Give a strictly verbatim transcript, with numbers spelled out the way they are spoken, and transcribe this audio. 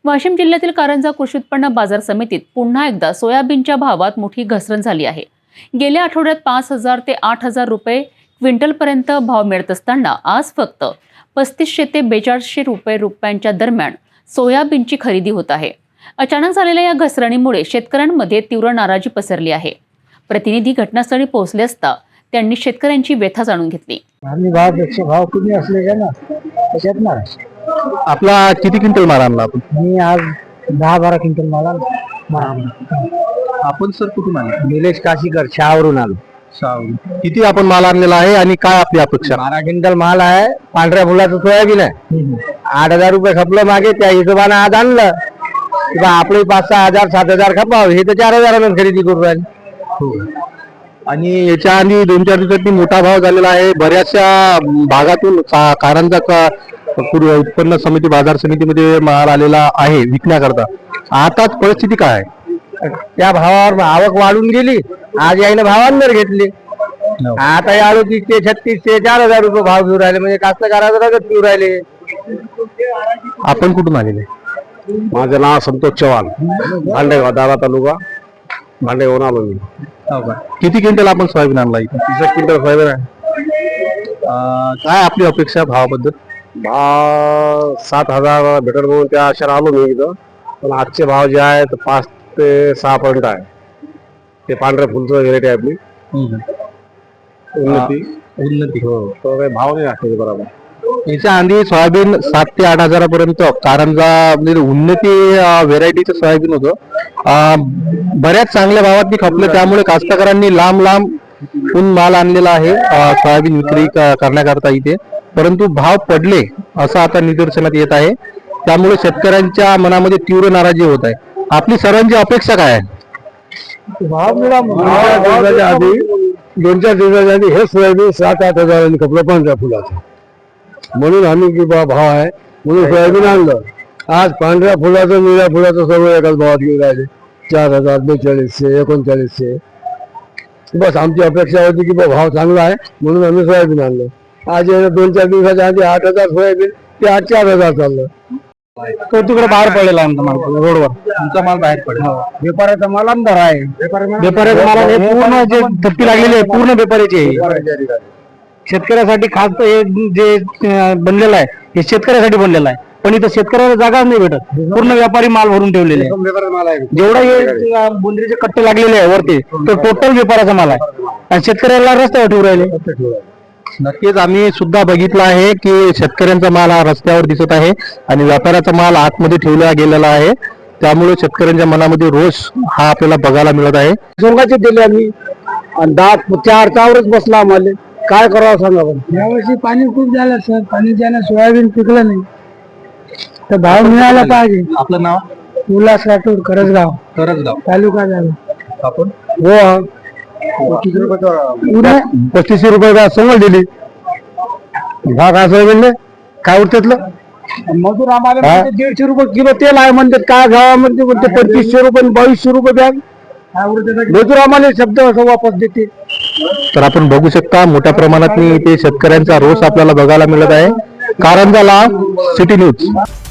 वाशिम जिल्ह्यातील कारंजा कृषी उत्पन्न बाजार समितीत पुन्हा एकदा सोयाबीनच्या भावात मोठी घसरण झाली आहे। गेल्या आठवड्यात पाच हजार ते आठ हजार रुपये क्विंटलपर्यंत भाव मिळत असताना आज फक्त पस्तीसशे ते बेचाळीसशे रुपये रुपयांच्या दरम्यान सोयाबीनची खरेदी होत आहे। अचानक झालेल्या या घसरणीमुळे शेतकऱ्यांमध्ये तीव्र नाराजी पसरली आहे। प्रतिनिधी घटनास्थळी पोहोचले असता त्यांनी शेतकऱ्यांची व्यथा जाणून घेतली। भावापेक्षा भाव कमी असले का ना त्याच्यात ना आपला किती क्विंटल माल आणला आपण? मी आज दहा बारा क्विंटल माल आणला। आपण सर कुठून आले? निलेश काशीकर शहावरून आलो। किती आपण माल आणलेला आहे आणि काय आपली अपेक्षा? बारा क्विंटल माल आहे, पांढऱ्या फुलाचं सोयाबीन आहे। आठ हजार रुपये खपलं मागे, त्या हिशोबाने आज आणलं किंवा आपले पाच सहा हजार सात हजार खपाव, हे तर चार हजारानं खरेदी करू राहिले। आणि याच्या आधी दोन चार दिवसांनी मोठा भाव झालेला आहे। बऱ्याचशा भागातून का- कारंजा का पूर्व उत्पन्न समिती बाजार समितीमध्ये माल आलेला आहे विकण्याकरता। आताच परिस्थिती काय आहे? त्या भावावर आवक वाढून गेली, आज यायनं भाव अंदर घेतले। आता या अडतीसशे छत्तीसशे चार हजार रुपये भाव घेऊन राहिले, म्हणजे कास्तकाराचा रगत घेऊन राहिले। आपण कुठून आलेले? माझं नाव संतोष चव्हाण, भांडेगाव दारा तालुका, भांडेगावून आलो मी। किती क्विंटल आपण सोयाबीन आणला इथे? तीस क्विंटल सोयाबीन आहे। अं, काय आपली अपेक्षा भावाबद्दल? भाव सात हजार भेटल म्हणून त्या आशेने आलो मी इथं, पण आजचे भाव जे आहे तर पाच ते सहा पर्यंत आहे। ते पांढऱ्या फुलचं व्हेरायटी आहे आपली उन्नती उन्नती हो, तो काही भाव नाही असते बरोबर। याच्या आधी सोयाबीन सात ते आठ हजारापर्यंत कारंजा म्हणजे उन्नती व्हेरायटीचं सोयाबीन होतं। अं, बऱ्याच चांगल्या भावात खपलं, त्यामुळे कास्तकारांनी लांब लांब माल आणलेला आहे अं, सोयाबीन विक्री क- करण्याकरता इथे, परंतु भाव पडले असं आता निदर्शनात येत आहे। त्यामुळे शेतकऱ्यांच्या मनामध्ये तीव्र नाराजी होत आहे। आपली सर्वांची अपेक्षा काय आहे? भाव मिळा दिवसाच्या आधी दोन चार दिवसाच्या आधी हे सोयाबीन सात आठ हजारांनी खपलं पांढऱ्या फुलाचं, म्हणून आम्ही की बा भाव आहे म्हणून सोयाबीन आणलं। आज पांढऱ्या फुलाचं निळ्या फुलाचं सर्व एकाच भावात घेऊन राहिले, चार हजार बेचाळीसशे एकोणचाळीसशे। बस आमची अपेक्षा होती की बा भाव चांगला आहे म्हणून आम्ही सोयाबीन आणलं। आज दोन चार दिवसाच्या आधी आठ हजार सोयाबीन ते आठ चार हजार चाललं। तो तिकडे बाहेर पडलेला रोडवर, तुमचा माल बाहेर पडेल। व्यापाऱ्याचा माल अंधार आहे। व्यापाऱ्याचा माल हे पूर्ण जे थप्पी लागलेली आहे पूर्ण व्यापाऱ्याची आहे। शेतकऱ्यासाठी खास हे जे अं, बनलेलं आहे हे शेतकऱ्यासाठी बनलेलं आहे, पण इथं शेतकऱ्याला जागा नाही भेटत, पूर्ण व्यापारी माल भरून ठेवलेले आहे। जेवढा हे बोंद्रीचे कट्टे लागलेले आहे वरती तो टोटल व्यापाराचा माल आहे आणि शेतकऱ्याला रस्त्यावर ठेवून राहिले। नक्कीच आम्ही सुद्धा बघितलं आहे की शेतकऱ्यांचा माल हा रस्त्यावर दिसत आहे आणि व्यापाऱ्याचा माल आतमध्ये ठेवला गेलेला आहे। त्यामुळे शेतकऱ्यांच्या मनामध्ये रोष हा आपल्याला बघायला मिळत आहे। सोंगाचे दिले आम्ही आणि दहा चार चावरच बसला आम्हाला, काय करावं सांगा बरं। यावर्षी पाणी खूप झालं सर, पाणी ज्यानं सोयाबीन पिकलं नाही तर भाव मिळाला पाहिजे। आपलं नाव? उल्हास राठोड, करसगाव करसगाव तालुका झाला आपण हो। पस्तीसशे रुपये समोर दिली भाव काय सोयाबीनले काय उरतेतलं मजूर आम्हाला म्हणते दीडशे रुपये किलो तेल आहे म्हणतात, काय गावामध्ये म्हणते पंचवीसशे रुपये बावीसशे रुपये बॅग। मजूर आम्हाला शब्द असं वापस देते। तर आपण बघू शकता मोठ्या प्रमाणात इथे शेतकऱ्यांचा रोष आपल्याला बघायला मिळत आहे। Karanja live city news.